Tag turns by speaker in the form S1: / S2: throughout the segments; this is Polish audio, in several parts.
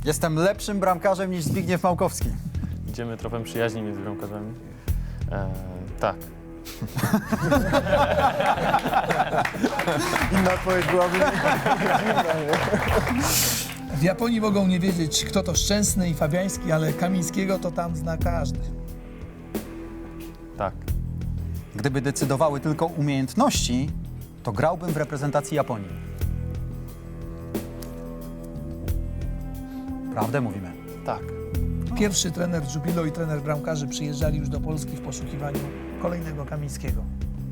S1: Jestem lepszym bramkarzem niż Zbigniew Małkowski.
S2: Idziemy tropem przyjaźni między bramkarzami. Tak.
S3: Inna odpowiedź byłaby...
S4: W Japonii mogą nie wiedzieć, kto to Szczęsny i Fabiański, ale Kamińskiego to tam zna każdy.
S2: Tak.
S1: Gdyby decydowały tylko umiejętności, to grałbym w reprezentacji Japonii. Prawdę mówimy.
S2: Tak.
S4: Pierwszy trener Jubilo i trener bramkarzy przyjeżdżali już do Polski w poszukiwaniu kolejnego Kamińskiego.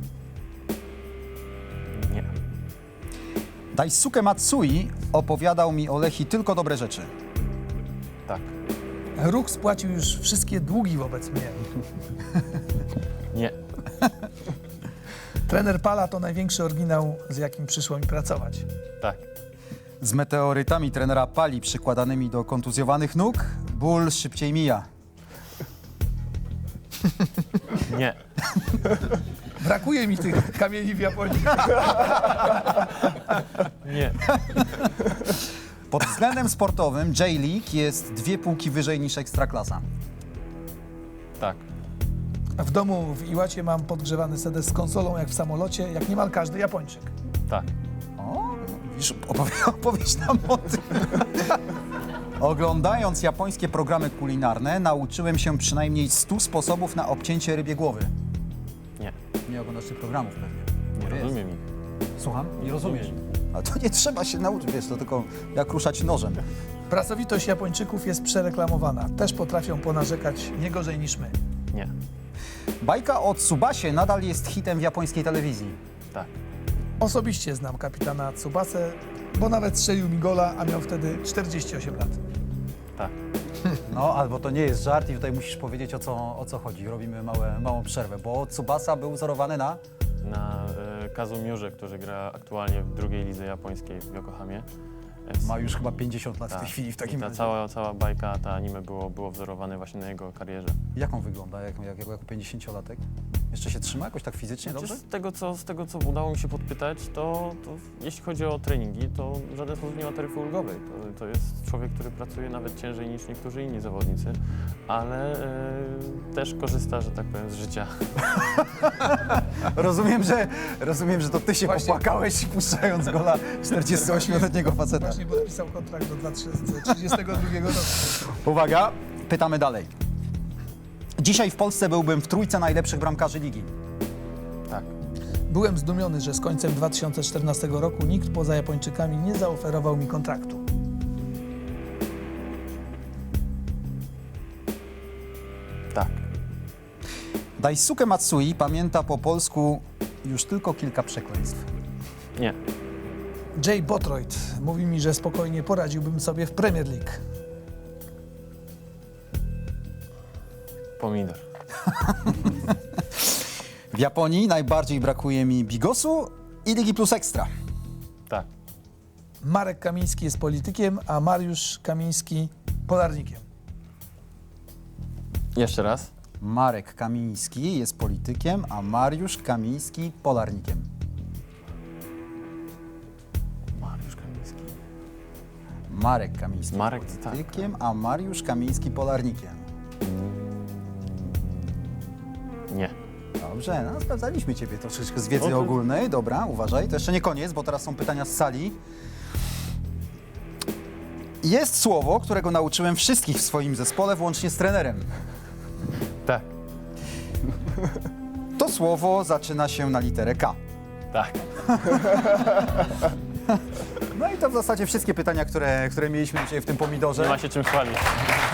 S2: Nie.
S1: Daisuke Matsui opowiadał mi o Lechii tylko dobre rzeczy.
S2: Tak.
S4: Ruch spłacił już wszystkie długi wobec mnie.
S2: Nie.
S4: Trener Pala to największy oryginał, z jakim przyszło mi pracować.
S2: Tak.
S1: Z meteorytami trenera Pali przykładanymi do kontuzjowanych nóg ból szybciej mija.
S2: Nie.
S4: Brakuje mi tych kamieni w Japonii.
S2: Nie.
S1: Pod względem sportowym J-League jest 2 półki wyżej niż Ekstraklasa.
S2: Tak.
S4: W domu w Iłacie mam podgrzewany sedes z konsolą jak w samolocie, jak niemal każdy Japończyk.
S2: Tak.
S1: O, widzisz, opowiedz nam o tym. Oglądając japońskie programy kulinarne, nauczyłem się przynajmniej 100 sposobów na obcięcie rybie głowy.
S2: Nie.
S1: Nie oglądasz tych programów pewnie.
S2: Nie
S1: Jest.
S2: rozumiem ich.
S1: Słucham? Nie rozumiesz. A to nie trzeba się nauczyć, wiesz, to tylko jak ruszać nożem.
S4: Pracowitość Japończyków jest przereklamowana. Też potrafią ponarzekać nie gorzej niż my.
S2: Nie.
S1: Bajka o Tsubasie nadal jest hitem w japońskiej telewizji.
S2: Tak.
S4: Osobiście znam kapitana Tsubasę, bo nawet strzelił mi gola, a miał wtedy 48 lat.
S2: Tak.
S1: No, albo to nie jest żart i tutaj musisz powiedzieć o co chodzi. Robimy małą przerwę, bo Tsubasa był wzorowany na...
S2: Na Kazumiurze, który gra aktualnie w drugiej lidze japońskiej w Yokohamie.
S1: Ma już chyba 50 lat w tej
S2: Tak.
S1: chwili w takim
S2: I ta
S1: razie.
S2: cała bajka, ta anime było wzorowane właśnie na jego karierze.
S1: Jak on wygląda jako 50-latek? Jeszcze się trzyma jakoś tak fizycznie dobrze?
S2: Z tego, co udało mi się podpytać, to jeśli chodzi o treningi, to w żaden sposób nie ma taryfy ulgowej. To jest człowiek, który pracuje nawet ciężej niż niektórzy inni zawodnicy, ale też korzysta, że tak powiem, z życia.
S1: Rozumiem, że to ty się
S4: Właśnie-
S1: popłakałeś puszczając gola 48-letniego faceta.
S4: Właśnie podpisał kontrakt do 2032 roku.
S1: Uwaga, pytamy dalej. Dzisiaj w Polsce byłbym w trójce najlepszych bramkarzy ligi.
S2: Tak.
S4: Byłem zdumiony, że z końcem 2014 roku nikt poza Japończykami nie zaoferował mi kontraktu.
S2: Tak.
S1: Daisuke Matsui pamięta po polsku już tylko kilka przekleństw.
S2: Nie.
S4: Jay Bothroyd mówi mi, że spokojnie poradziłbym sobie w Premier League.
S2: Pomidor.
S1: W Japonii najbardziej brakuje mi Bigosu i Ligi Plus Ekstra.
S2: Tak.
S4: Marek Kamiński jest politykiem, a Mariusz Kamiński polarnikiem.
S2: Jeszcze raz.
S1: Marek Kamiński jest politykiem, a Mariusz Kamiński polarnikiem.
S2: Mariusz Kamiński.
S1: Marek Kamiński
S2: Marek,
S1: politykiem, a Mariusz Kamiński polarnikiem.
S2: Nie.
S1: Dobrze, no sprawdzaliśmy ciebie troszeczkę z wiedzy
S2: No to-
S1: ogólnej. Dobra, uważaj. To jeszcze nie koniec, bo teraz są pytania z sali. Jest słowo, którego nauczyłem wszystkich w swoim zespole, włącznie z trenerem.
S2: Tak.
S1: To słowo zaczyna się na literę K.
S2: Tak.
S1: No i to w zasadzie wszystkie pytania, które mieliśmy dzisiaj w tym pomidorze.
S2: Nie ma się czym chwalić.